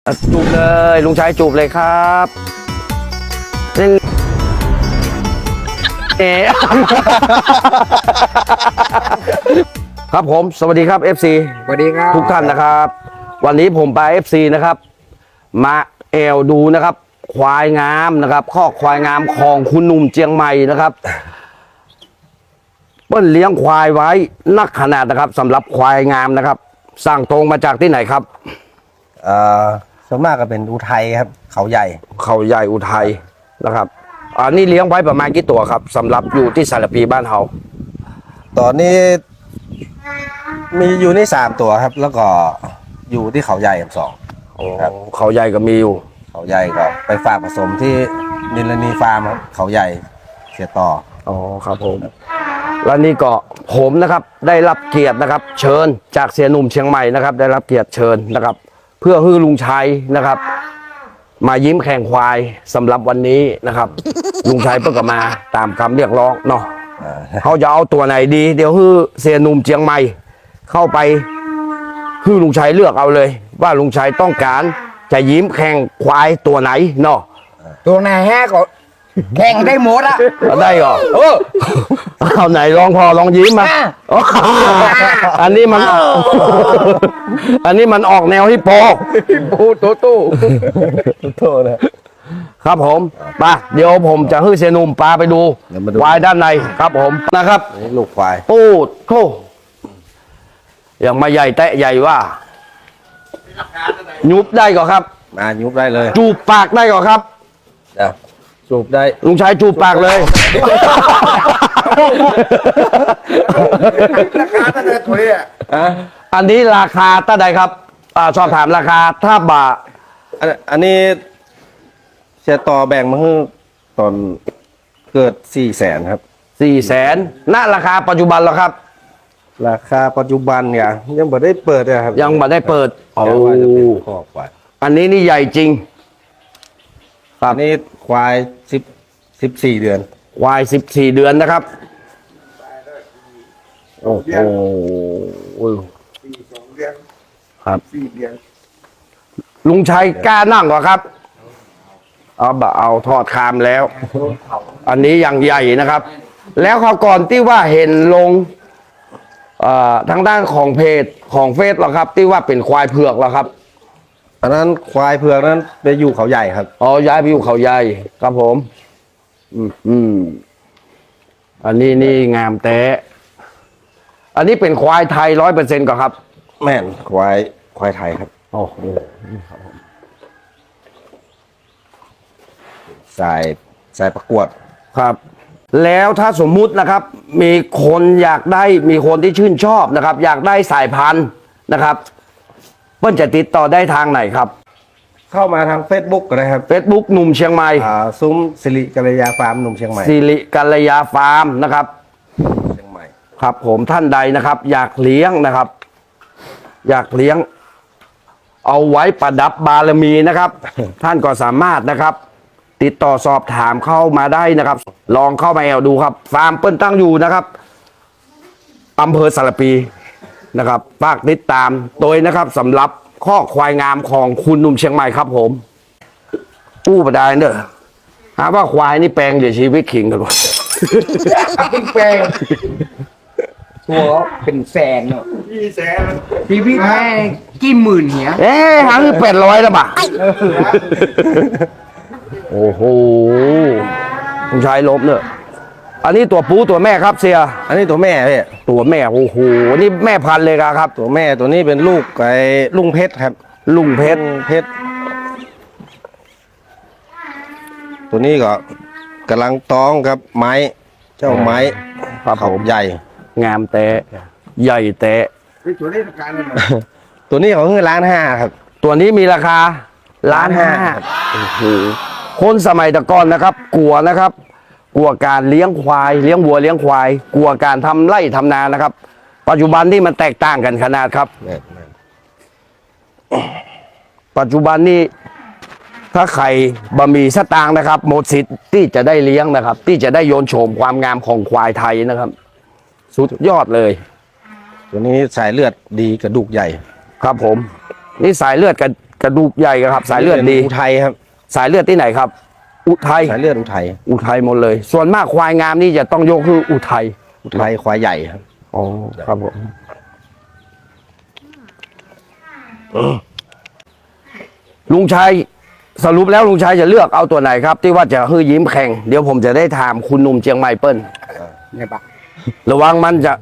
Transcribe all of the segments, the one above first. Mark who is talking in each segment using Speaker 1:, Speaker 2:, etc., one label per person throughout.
Speaker 1: จูบเลยลุงชายจูบเลยครับครับผมสวัสดีครับ FC
Speaker 2: สวัสดีครับ
Speaker 1: ทุกท่านนะครับ วันนี้ผมไป FC นะครับมาดูนะครับควายงามนะครับข้อควายงามของคุณหนุ่มเจียงใหม่นะครับเปิ้ลเลี้ยงควายไว้นักขนาดนะครับสำหรับควายงามนะครับสั่งตรงมาจากที่ไหนครับ
Speaker 2: ส่วนมากก็เป็นอุทัยครับเขาใหญ่
Speaker 1: อุทัยนะครับอันนี้เลี้ยงไว้ประมาณกี่ตัวครับสำหรับอยู่ที่สารพีบ้านเฮา
Speaker 2: ตอนนี้มีอยู่ใน3 ตัวครับ แล้วก็อยู่ที่เขาใหญ่กับ2ครับ
Speaker 1: เขาใหญ่ก็มีอยู่
Speaker 2: เขาใหญ่ก็ไปฝากผสมที่นิลนีฟาร์มครับเขาใหญ่เสียต่อ
Speaker 1: อ๋อครับผมแล้วนี่ก็ผมนะครับได้รับเกียรตินะครับเชิญจากเสียหนุ่มเชียงใหม่นะครับได้รับเกียรติเชิญนะครับเพื่อให้ลุงชัยนะครับมายิ้มแข่งควายสำหรับวันนี้นะครับลุงชัยเพิ่งก็มาตามคำเรียกร้องเนาะเขาจะเอาตัวไหนดีเดี๋ยวให้เสียหนุ่มเชียงใหม่เข้าไปให้ลุงชัยเลือกเอาเลยว่าลุงชัยต้องการจะยิ้มแข่งควายตัวไหนเนาะ
Speaker 3: ตัวไหนฮะก็แข่งได้หมดอะ
Speaker 1: ได้เหรอเอาไหนลองพอลองยิ้มมาอันนี้มันออกแนวฮิปโป
Speaker 2: ตู้
Speaker 1: นะครับผมไปเดี๋ยวผมจะให้เซนุ่มปลาไปดูควายด้านในครับผมนะครับ
Speaker 2: ลูกควาย
Speaker 1: โอ้โหอย่างมาใหญ่แตะใหญ่ว่ายุบได้ก่อนครับ
Speaker 2: ยุบได้เลย
Speaker 1: จูบปากได้ก่อนครับ
Speaker 2: จูบได้
Speaker 1: ลุงชายจูบปากเลย
Speaker 3: ราคาตั้งแต่ตัวนี้
Speaker 1: อันนี้ราคาตั้งใดครับสอบถามราคาถ้าบา
Speaker 2: อันนี้เสียต่อแบ่งมาให้ตอนเกิด400,000ครับ
Speaker 1: 400,000ณราคาปัจจุบันแล้วครับ
Speaker 2: ราคาปัจจุบันเนี่ยยังไม่ได้เปิดเลยครับ
Speaker 1: ยังไม่ได้เปิด
Speaker 2: โอ้
Speaker 1: อันนี้นี่ใหญ่จริง
Speaker 2: อันนี้ควาย14 เดือน
Speaker 1: ควาย14 เดือนนะครับโอ้โห
Speaker 3: 2 เดือน
Speaker 1: ครับ
Speaker 3: 4 เดือน
Speaker 1: ลุงชัยกล้านั่งเหรอครับเอาทอดคามแล้วอันนี้อย่างใหญ่นะครับแล้วเขาก่อนที่ว่าเห็นลงทางด้านของเพจของเฟซหรอครับที่ว่าเป็นควายเผือกหรอครับ
Speaker 2: อันนั้นควายเผือกนั้นไปอยู่เขาใหญ่ครับ
Speaker 1: ย้ายไปอยู่เขาใหญ่ครับผมอันนี้นี่งามแต่อันนี้เป็นควายไทย100%ก่อนครับ
Speaker 2: แม่นควายไทยครับ
Speaker 1: โอ้โห
Speaker 2: สายประกวด
Speaker 1: ครับแล้วถ้าสมมุตินะครับมีคนอยากได้มีคนที่ชื่นชอบนะครับอยากได้สายพันธุ์นะครับเพิ่นจะติดต่อได้ทางไหนครับ
Speaker 2: เข้ามาทาง Facebook ก็ได้ครับ
Speaker 1: Facebook หนุ่มเชียงใหม่
Speaker 2: ซุ้มสิริกัลยาฟาร์มหนุ่มเชียงใหม่
Speaker 1: สิริกัลยาฟาร์มนะครับ
Speaker 2: เชียงใหม่
Speaker 1: ครับผมท่านใดนะครับอยากเลี้ยงนะครับอยากเลี้ยงเอาไว้ประดับบารมีนะครับ ท่านก็สามารถนะครับติดต่อสอบถามเข้ามาได้นะครับลองเข้ามาดูครับฟาร์มเปิ้ลตั้งอยู่นะครับอำเภอสารปีนะครับฝากติดตามโดยนะครับสำหรับข้อควายงามของคุณหนุ่มเชียงใหม่ครับผมประดายเนอะหาว่าควายนี่แปลงเดี๋ยวชีวิตขิงกันหมด
Speaker 3: แปลงตัวเป็นแสนเนาะ
Speaker 2: 400,000
Speaker 3: ชีวิตแม่กี่หมื่นเหี้ย
Speaker 1: หาคือ800แล้วป่ะโอ้โหคุณชายลบเนอะอันนี้ตัวปูตัวแม่ครับเสีย
Speaker 2: อันนี้ตัวแม่พี่
Speaker 1: ตัวแม่โอ้โหนี่แม่พันธุ์เลยครับ
Speaker 2: ตัวแม่ตัวนี้เป็นลูกไอ้ลุงเพชรครับ
Speaker 1: ลุงเพชร
Speaker 2: ตัวนี้ก็กำลังท้องครับไม้เจ้าไม้
Speaker 1: เขา
Speaker 2: ใหญ่
Speaker 1: งามแต่ใหญ่แต่
Speaker 3: ตัวนี้ราคา
Speaker 2: ตัวนี้เขาคือ1,500,000ครับ
Speaker 1: ตัวนี้มีราคา1,500,000โอ้โหคนสมัยตะก่อนนะครับกลัวนะครับกลัวการเลี้ยงควายเลี้ยงวัวเลี้ยงควายกลัวการทำไร่ทำนานะครับปัจจุบันนี่มันแตกต่างกันขนาดครับปัจจุบันนี้ถ้าใครบะหมี่สตางค์นะครับหมดสิทธิ์ที่จะได้เลี้ยงนะครับที่จะได้โยนโฉมความงามของควายไทยนะครับสุดยอดเลย
Speaker 2: ตัวนี้สายเลือดดีกระดูกใหญ่
Speaker 1: ครับผมนี่สายเลือดกระดูกใหญ่ครับ สายเลือดดี
Speaker 2: อุทัยครับ
Speaker 1: สายเลือดที่ไหนครับ อุทัย
Speaker 2: สายเลือดอุทัย
Speaker 1: อุทัยหมดเลย ส่วนมากควายงามนี่จะต้องยกคืออุทัย
Speaker 2: อุทัยควายใหญ่ครับ
Speaker 1: อ๋อครับผมลุงชัยสรุปแล้วลุงชัยจะเลือกเอาตัวไหนครับ ที่ว่าจะฮือยิ้มแข่งเดี๋ยวผมจะได้ถามคุณหนุ่มเชียงใหม่เปิ้ล
Speaker 3: เนี่ยปะ
Speaker 1: ระวังมันจะ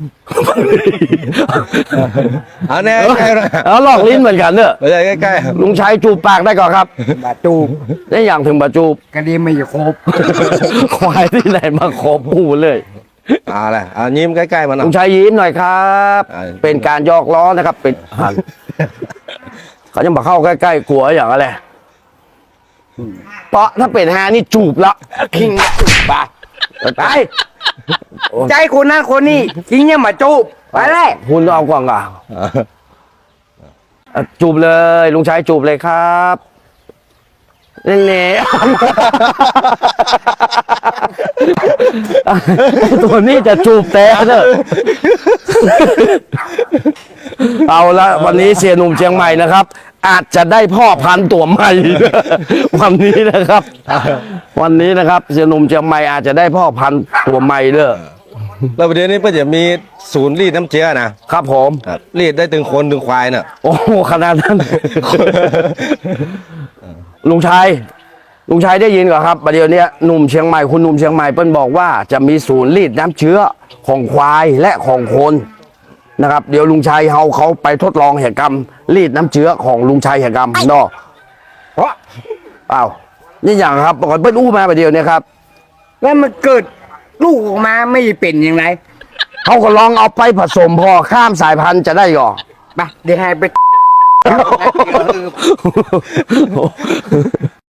Speaker 2: เอาแน่ใกล้ๆนะ
Speaker 1: เอาลอกลิ้นเหมือนกันเนอะ
Speaker 2: ไม่ใช่ใกล้ๆครับ
Speaker 1: ลุงชัยจูบปากได้ก่อนครับ
Speaker 3: บาจูบ
Speaker 1: ได้อย่างถึงบาจูบ
Speaker 3: กระดีไม่ครบ
Speaker 1: ควายที่ไหนมาขอปูเลย
Speaker 2: เอาแหละเอายิ้มใกล้ๆมัน
Speaker 1: ลุงชัยยิ้มหน่อยครับ
Speaker 2: อ่า
Speaker 1: เป็นการยอกล้อนะครับ เป็นเขาจะมาเข้าใกล้ๆกลัวอย่างอะไรเพราะถ้าเป็นฮานี่จูบละคิงจูบปากไป
Speaker 3: ใจคนนั้นคนนี้จริงเนี่ยมาจูบไปเลย
Speaker 1: คุณเอาก่อนก่อนจูบเลยลุงชัยจูบเลยครับเน่ ตัวนี้จะจูบแต่เนอะเอาละวันนี้เสียหนุ่มเชียงใหม่นะครับ อาจจะได้พ่อพันธุ์ตัวใหม่ วันนี้นะครับ วันนี้นะครับเสียหนุ่มเชียงใหม่อาจจะได้พ่อพันธุ์ตัวใหม่เด้อ
Speaker 2: แล้วประเดี๋ยวนี้ก็จะมีศูนย์รีดน้ำเชื้อนะครับ
Speaker 1: ผม
Speaker 2: ครับรีดได้ถึงคนถึงควายน่ะ
Speaker 1: โอ้โหขนาดนั้น ลุงชัยได้ยินก่อนครับประเดี๋ยวนี้หนุ่มเชียงใหม่คุณหนุ่มเชียงใหม่เปิ้ลบอกว่าจะมีศูนย์รีดน้ำเชื้อของควายและของคนนะครับ เดี๋ยวลุงชัยเขาไปทดลองเหตุกรรมรีดน้ำเชื้อของลุงชัยเหตุกรรมเนาะเพราะอ้าวนี่อย่างครับก่อนเปิ้ลอู้มาประเดี๋ยวนี้ครับ
Speaker 3: แล้วมันเกิดลูกออกมาไม่เป็นยังไง
Speaker 1: เขาก็ลองเอาไปผสมพอข้ามสายพันธุ์จะได้ก่อน
Speaker 3: ไปเดี๋ยวให้ไป